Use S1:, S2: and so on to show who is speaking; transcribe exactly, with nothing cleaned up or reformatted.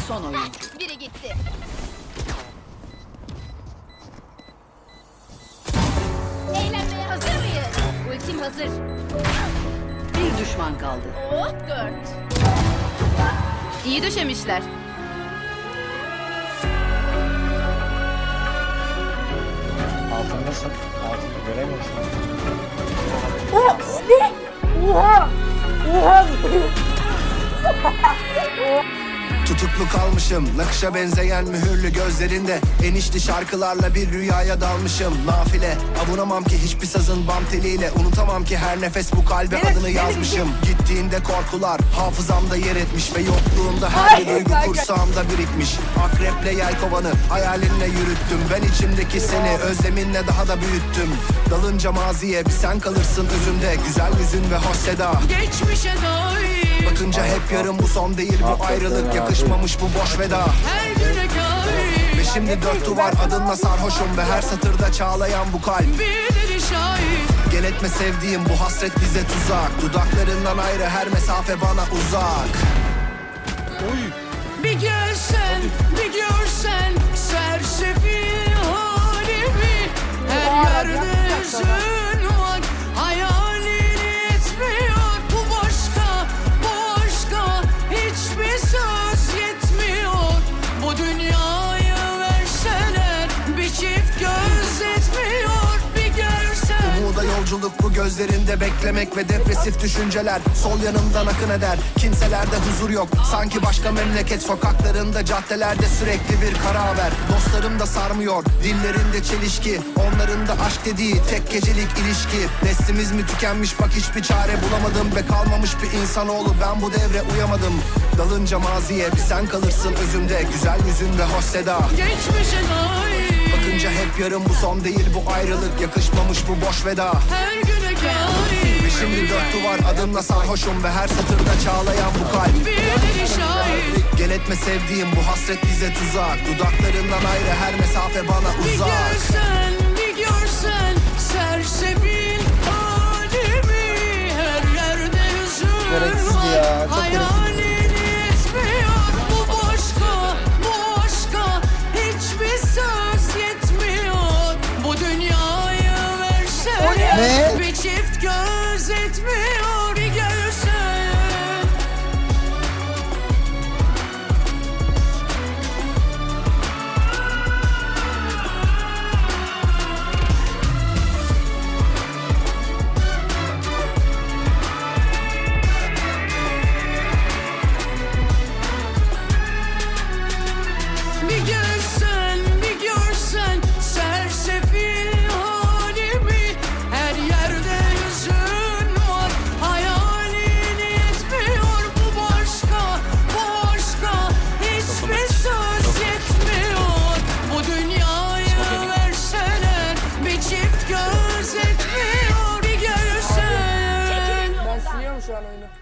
S1: son oyun.
S2: Biri gitti. Eğlenmeye hazır mıyız? Ultim hazır.
S1: Bir düşman kaldı.
S2: Oh dört. İyi döşemişler.
S3: Altındasın. Altını göremiyorsun.
S4: Tutuklu kalmışım, nakışa benzeyen mühürlü gözlerinde. Enişli şarkılarla bir rüyaya dalmışım. Nafile, avunamam ki hiçbir sazın bam teliyle. Unutamam ki her nefes bu kalbe adını yazmışım. Gittiğinde korkular hafızamda yer etmiş ve yokluğunda her bir duygu kursağımda birikmiş. Akreple yelkovanı hayalinle yürüttüm. Ben içimdeki seni özleminle daha da büyüttüm. Dalınca maziye bir sen kalırsın özümde. Güzel yüzün ve hoş seda.
S5: Geçmişe dair
S4: Bakınca hep yarım, bu son değil bu ayrılık. Yakışmamış bu boş veda.
S5: her güne kair
S4: Ve şimdi dört duvar adınla sarhoşum ve her satırda çağlayan bu kalp.
S5: bir deli şahit.
S4: Gel etme sevdiğim, bu hasret bize tuzak. Dudaklarından ayrı her mesafe bana uzak.
S5: Bir görsen, bir görsen sersefil halimi. Her yerde hüzün var, hayalin etmiyor. Bu başka, bu başka, hiçbir söz yetmiyor. Bu dünyayı verseler bir çift göz etmiyor. Bir görsen.
S4: Umuda yolculuk bu gözlerinde beklemek ve depresif düşünceler. Sol yanımdan akın eder, kimselerde huzur yok. Sanki başka memleket sokaklarında, caddelerde sürekli bir kara haber. Dostlarım da sarmıyor, dillerinde çelişki. Onların da aşk dediği tek gecelik ilişki. Neslimiz mi tükenmiş, bak hiçbir çare bulamadım. Ve kalmamış bir insanoğlu, ben bu devre uyamadım. Dalınca maziye bir sen kalırsın özümde. Güzel yüzün ve hoş seda.
S5: Geçmişe dair
S4: Bakınca hep yarım, bu son değil bu ayrılık. Yakışmamış bu boş veda.
S5: her güne kair
S4: Ve şimdi dört duvar adımla sarhoşum ve her satırda çağlayan bu kalp.
S5: bir deli şahit.
S4: Gel etme sevdiğim, bu hasret bize tuzak. Dudaklarından ayrı her mesafe bana
S5: Bir
S4: uzak.
S5: görsen, bir görsen sersefil halimi. Her yerde hüzün
S3: Gereksizdi
S5: var,
S3: ya, çok
S5: hayalin etmiyor. Bu başka, bu başka, hiçbir söz yetmiyor. Bu dünyayı verseler
S3: Ne?
S5: bir çift göz etmiyor. Bir görsen. Bir görsen, bir görsen sersefil halimi. Her yerde hüzün var, hayalin etmiyor. Bu başka, bu başka, hiçbir söz yetmiyor. Bu dünyayı verseler bir çift göz etmiyor. Bir görsen.
S6: Ben siliyorum şu an oyunu.